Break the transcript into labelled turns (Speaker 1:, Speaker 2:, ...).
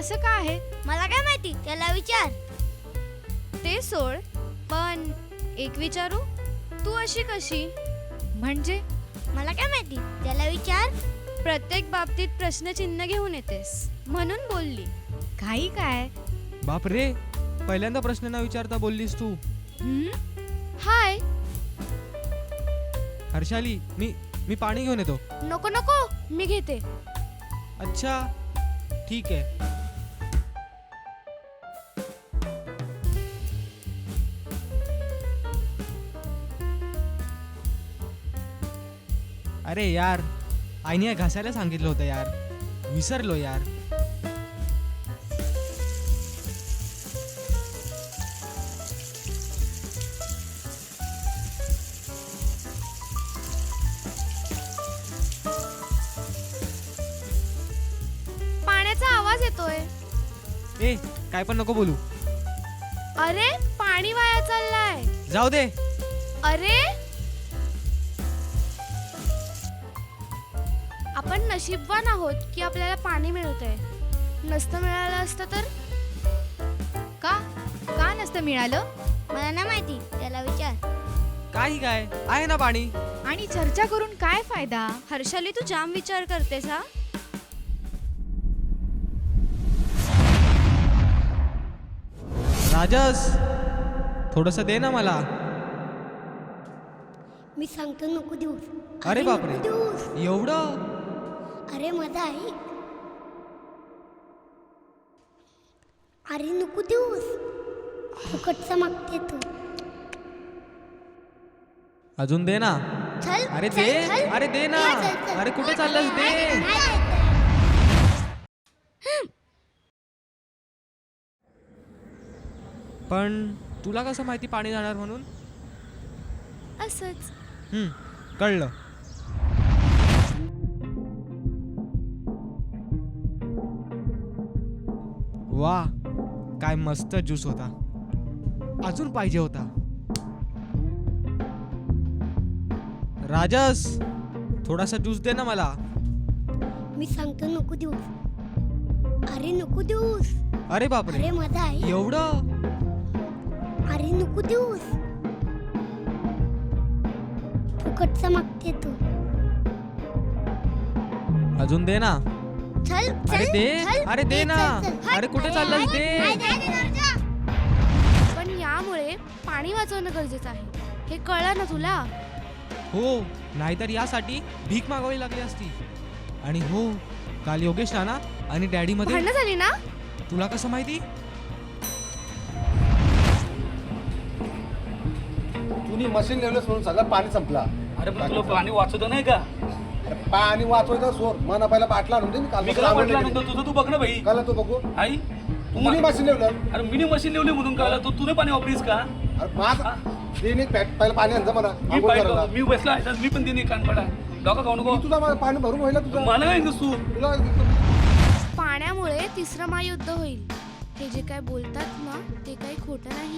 Speaker 1: असं का आहे?
Speaker 2: मला काय माहिती, त्याला विचार.
Speaker 1: ते सोड, पण एक विचारू, तू अशी कशी? म्हणजे
Speaker 2: मला काय माहिती, त्याला विचार.
Speaker 1: प्रत्येक बाबतीत प्रश्नचिन्ह घेऊन येतेस म्हणून बोलली. काही काय?
Speaker 3: बाप रे, पहिल्यांदा प्रश्न न विचारता बोललीस तू.
Speaker 1: हाय.
Speaker 3: हर्षाली, मी पाणी घेऊन येतो.
Speaker 1: नको नको, मी घेते.
Speaker 3: अच्छा ठीक आहे. अरे यार, आईने घासायला सांगितलं होतं यार, विसरलो यार.
Speaker 1: पाण्याचा आवाज येतोय.
Speaker 3: ए, काय पण नको बोलू.
Speaker 1: अरे पाणी वाया चाललाय.
Speaker 3: जाऊ दे.
Speaker 1: अरे आपण नशीबवान आहोत की आपल्याला पाणी मिळतंय. नसतं मिळालं असतं तर? का नसतं मिळालं?
Speaker 2: मला नाही माहिती, त्याला विचार.
Speaker 3: काही काय आहे ना पाणी.
Speaker 1: आणि चर्चा करून काय फायदा? हर्षाली, तू जाम विचार करतेस हा.
Speaker 3: राजस, थोडस दे ना मला.
Speaker 2: मी सांगतो नको देऊस.
Speaker 3: अरे बापरे,
Speaker 2: नको देऊस.
Speaker 3: एवढं?
Speaker 2: अरे माझा ऐक. अरे नको देऊस, फुकटचा मागते तू.
Speaker 3: अजून दे ना.
Speaker 2: चल.
Speaker 3: अरे
Speaker 2: चल,
Speaker 3: दे.
Speaker 2: चल.
Speaker 3: अरे दे ना.
Speaker 2: चल, चल.
Speaker 3: अरे कुठे चाललास, दे.
Speaker 2: नाही ऐकत.
Speaker 3: पण तुला कसं माहिती पाणी जाणार म्हणून?
Speaker 1: असंच.
Speaker 3: कळलं. वा, काय मस्त ज्यूस होता. अजून पाहिजे होता. राजस, थोडासा ज्यूस दे ना मला.
Speaker 2: मी सांगतो नको देऊस. अरे नको देऊस.
Speaker 3: अरे बापरे,
Speaker 2: अरे माझा ऐक.
Speaker 3: एवढं?
Speaker 2: अरे नको देऊस, फुकटचा मागते तू.
Speaker 3: अजून दे ना.
Speaker 2: चल.
Speaker 3: अरे
Speaker 2: चल,
Speaker 3: दे.
Speaker 2: चल.
Speaker 3: अरे दे ना.
Speaker 2: चल.
Speaker 3: अरे कुठे चाललास,
Speaker 2: नाही,
Speaker 3: दे.
Speaker 2: नाही, नाही, नाही, नाही.
Speaker 1: पण यामुळे पाणी वाचवणं गरजेचं आहे. हे कळलं ना तुला?
Speaker 3: हो, नाहीतर यासाठी भीक मागावी लागली असती. आणि हो, काल योगेश नाना आणि डॅडी मध्ये
Speaker 1: भांडणं झाली ना?
Speaker 3: तुला कसं माहिती?
Speaker 4: तुम्ही मशीन लावलंस म्हणून सगळं पाणी संपला.
Speaker 5: अरे पण तुला पाणी वाचवतं नाही का?
Speaker 4: पाणी वाचवायचा सोर मला पहिला बाटला आणून दे. मी
Speaker 5: मी कला म्हटलं नंतर तुझं तू बघ ना भाई.
Speaker 4: काला तू बघू.
Speaker 5: आई
Speaker 4: तुम्ही मशीन लावलं.
Speaker 5: अरे मिनी मशीन लावली म्हणून कळलं. तू तुने पाणी वापरीस का?
Speaker 4: अरे माझा देणे पहिला पाणी आणजा मला
Speaker 5: मी
Speaker 4: आंघोळ करायला.
Speaker 5: पाहिलं मी बसला आहे तर मी पण देणे कानपडा डोका खाऊ नको.
Speaker 4: मी तुझा मला पाणी भरून व्हायला तुझा
Speaker 5: मला काय तू
Speaker 4: तुला
Speaker 1: पाण्यामुळे तिसरं महायुद्ध होईल. हे जे काय बोलतात ना, ते काही खोटं नाही.